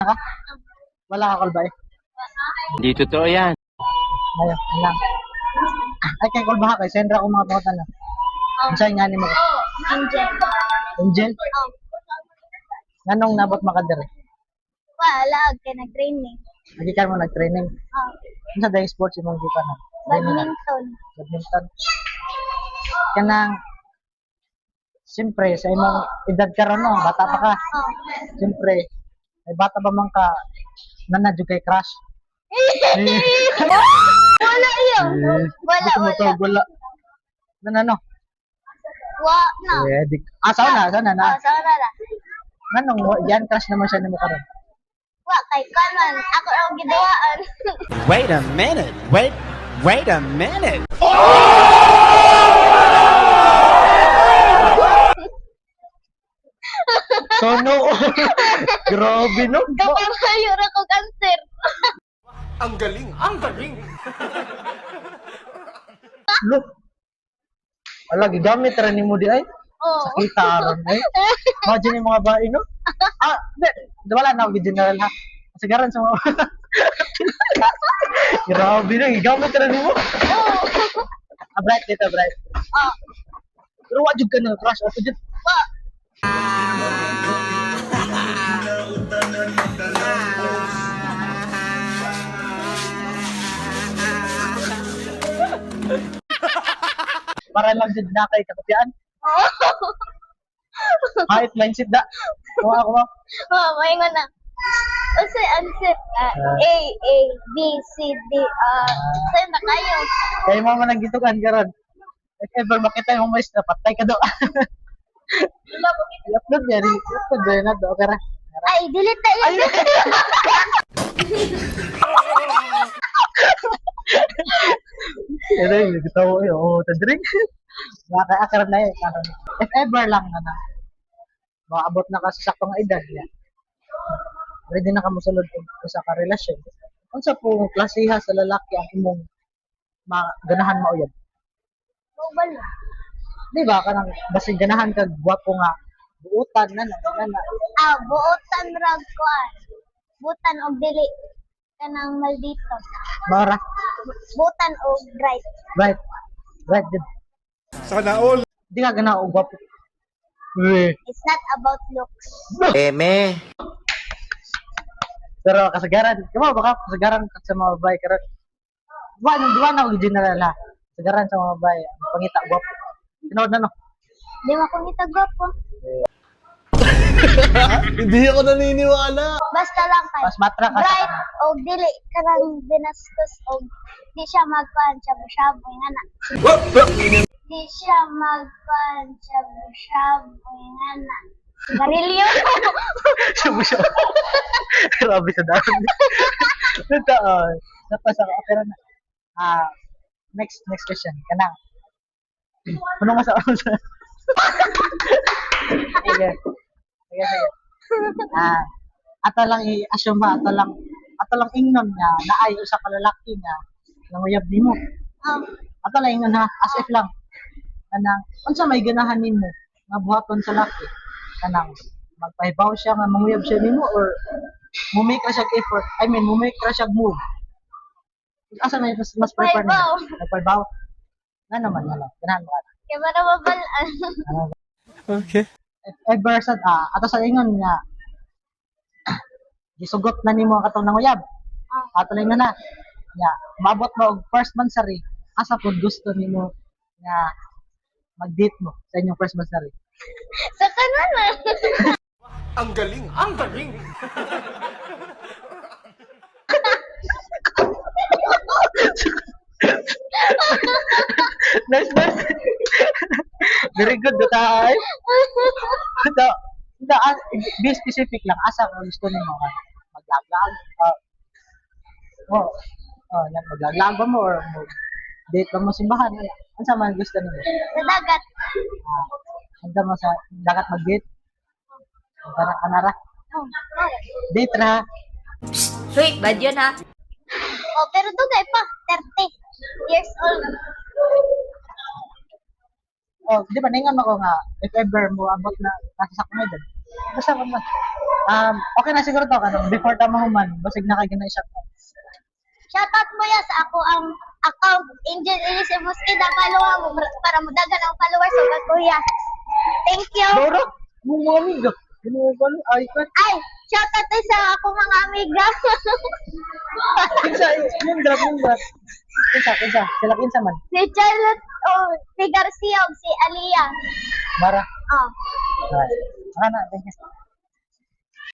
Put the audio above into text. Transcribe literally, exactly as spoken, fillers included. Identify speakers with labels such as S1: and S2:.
S1: Ka? Wala ka call ba eh?
S2: Hindi totoo yan.
S1: Ngayon, lang. Ay, kay call ba ka? Kay send ra ko mga pangutan na. Ang sa'yo nga ni mo.
S3: Angel.
S1: Angel?
S3: Oh.
S1: Nganong nabot makadere?
S3: Wala, kay nag-training.
S1: Lagi ka mo nag-training.
S3: Oh.
S1: Ano sa day sports yung mga gitan na?
S3: Badminton.
S1: Badminton. Kanang, siyempre, sa imong edad ka ron, no? Bata pa ka.
S3: Oh.
S1: Siyempre, may bata ba man ka nanadyo kay crush?
S3: Wala yun. Wala,
S1: Dito mo
S3: wala.
S1: to, wala. Ano, ano?
S3: Wa, no.
S1: Eh, di, ah, saan na, saan na, na?
S3: Oh, sa na.
S1: Anong, yan, crush naman siya ni mo karon.
S3: Wa, kay kanan. Ako ang gidawaan.
S2: Wait a minute. Wait, wait a minute.
S1: So, no. Grabe, no?
S3: Kapag kayo na ko cancer.
S2: Ang galing, ang galing.
S1: Look. Wala, gigamit rin ni mo di ay.
S3: Oh.
S1: Sakita aron ay. Imagine yung mga bae, no? Ah, di. di wala na ako general ha. Sigaran sa mga... Grabe na, gigamit rin ni mo.
S3: Oh.
S1: Ah, bright dito, bright.
S3: Oh.
S1: Pero wajud ka na, crush. Ato dyan.
S3: Wa.
S1: Para lang dyan na kay katapian.
S3: Oh.
S1: Kahit mindset da. Kung ako mo.
S3: Oh, maingon na. Kasi answer, ah, A, A, B, C, D, ah, sa'yo na kayo.
S1: Kaya mo man ang gitugan karon. If ever makita yung mais na patay ka do. I-upload yan. I-upload yan na do. Okay ra.
S3: Ay, delete na yun.
S1: Ano yung gitaw eh. Oo, tadring. Baka akaran na eh. Karon. If ever lang na na. Maabot na ka sa saktong edad niya. Ready na ka mo sulod og usa ka relasyon. Unsa po klasiha sa lalaki ang imong maganahan mauyab?
S3: Mobile na.
S1: Di ba kanang basig ganahan kag gwapo nga buutan na na na. na.
S3: Ah, buotan rag kuan. Butan og dili kanang maldito.
S1: Mara.
S3: Butan og bright.
S1: Right. Right. Good.
S2: Sana all.
S1: Di ka ganahan og gwapo. Eh.
S3: It's not about looks.
S2: Eme.
S1: Pero kasagaran, kamo baka kasagaran ka sa mga babae karon. Duwa na duwa na og general ha. Kasagaran sa mga babae, ang pangita gwapo. Tinood na no.
S3: Di mo kong itagwapo.
S4: Hindi ako naniniwala.
S3: Basta lang kay
S1: Mas matra ka sa
S3: bright
S1: kanang-
S3: og dili kanang binastos og di siya magkuan shabu-shabu ngana. Di siya magkuan shabu-shabu ngana. Garilyo.
S1: Siya siya. Grabe sa dami. Ito, uh, tapos ako, pero na. Ah, next, next question. Kanang. Punong masa ako sa... Sige. Sige, sige. Ah, ato lang i-assume ba, ato lang, ato lang ingnon nga, naay usa ka lalaki nga, nanguyab nimo.
S3: Um,
S1: Ato lang ingnon ha, as if lang. Kanang, unsa may ganahan nimo nga buhaton sa laki? Kanang, magpahibaw siya nga manguyab siya nimo or mumake ra siya effort. I mean, mumake ra siya move. Asa may mas, mas prefer niya?
S3: Pahibaw.
S1: Nagpahibaw. Nga naman, nga lang. Ganahan mo ka.
S3: kay para mabalaan.
S2: Okay.
S1: If ever sa, ah, ato sa ingon nga, gisugot na nimo ang katong nanguyab. Ato lang na na. Nga, mabot mo og first monthsary, asa pod gusto nimo nga mag-date mo sa inyong first monthsary.
S3: Sa kanan.
S2: Ang galing, ang galing.
S1: Nice, nice. Very good, Dutay. Ito, ito, ah, be specific lang. Asa kung gusto nimo nga maglaglag. Uh, oh, oh, nag maglaglag ba mo or mag date ba mo simbahan? Ano sa man gusto nimo?
S3: Sa dagat.
S1: Ah, Punta mo sa dagat mag-date. Para kanara.
S3: Oh,
S1: Date ra.
S5: Hoy, bad yun ha.
S3: oh, pero dugay pa, thirty years old.
S1: Oh, di ba ningan ako nga if ever mo abot na nasa sa edad. Basta ko man. Um, okay na siguro to kanang before ta mahuman, basig na kay ganay shot.
S3: Shoutout mo ya sa ako ang account Angel Elise Mosqueda follow mo para- para mudagan ang followers sa kuya. Thank you.
S1: Doro, mo mo amiga. Ano ba ay ka?
S3: Ay, shoutout din sa ako mga amiga.
S1: Kinsa, yung drop yung drop. Kinsa, kinsa, sila kinsa man.
S3: si Charlotte, oh, si Garcia, o si Alia.
S1: Mara.
S3: Oh.
S1: Alright. Ana, thank you.